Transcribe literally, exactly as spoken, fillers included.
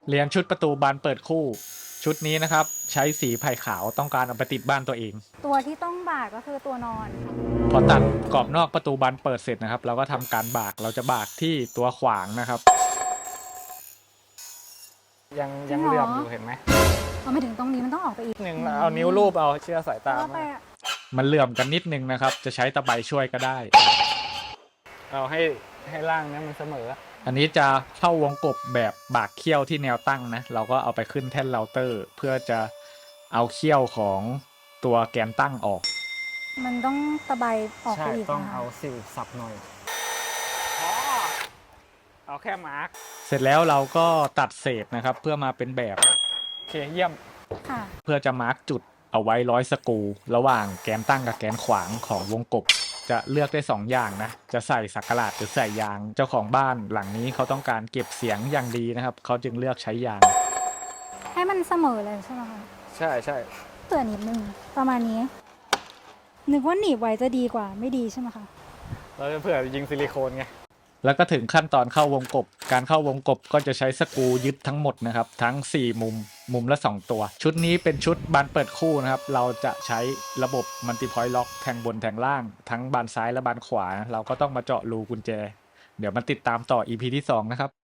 เรียนชุดประตูบานเปิดคู่ชุดนี้นะครับใช้สีไผ่ขาวต้องการเอาไปติดบ้านตัวเองตัวที่ต้องบากก็คือตัวนอนพอตัดกรอบนอกประตูบานเปิดเสร็จนะครับเราก็ทำการบากเราจะบากที่ตัวขวางนะครับยังยังเหลื่อมอยู่เห็นไหมเอาไม่ถึงตรงนี้มันต้องออกไปอีกหนึ่งเอานิ้วรูปเอาเชื่อสายตาไปมันเหลื่อมกันนิดนึงนะครับจะใช้ตะไบช่วยก็ได้เอาให้ให้ล่างนี้มันเสมออันนี้จะเข้าวงกบแบบบากเขี้ยวที่แนวตั้งนะเราก็เอาไปขึ้นแท่นเราเตอร์เพื่อจะเอาเขี้ยวของตัวแกนตั้งออกมันต้องตะไบออกไปอีกต้องเอาสิวสับหน่อยอ๋อเอาแค่มาร์กเสร็จแล้วเราก็ตัดเศษนะครับเพื่อมาเป็นแบบโอเคเยี่ยมเพื่อจะมาร์กจุดเอาไว้ร้อยสกรูระหว่างแกนตั้งกับแกนขวางของวงกบจะเลือกได้สองอย่างนะจะใส่สักหลาดหรือใส่ยางเจ้าของบ้านหลังนี้เขาต้องการเก็บเสียงอย่างดีนะครับเขาจึงเลือกใช้ยางให้มันเสมอเลยใช่ไหมคะใช่ใช่เตือนนิดนึงประมาณนี้นึกว่าหนีบไว้จะดีกว่าไม่ดีใช่ไหมคะเราจะเผื่อยิงซิลิโคนไงแล้วก็ถึงขั้นตอนเข้าวงกบการเข้าวงกบก็จะใช้สกรูยึดทั้งหมดนะครับทั้งสี่มุมมุมละสองตัวชุดนี้เป็นชุดบานเปิดคู่นะครับเราจะใช้ระบบมัลติพอยต์ล็อกแทงบนแทงล่างทั้งบานซ้ายและบานขวาเราก็ต้องมาเจาะรูกุญแจเดี๋ยวมาติดตามต่อ อี พี ที่สองนะครับ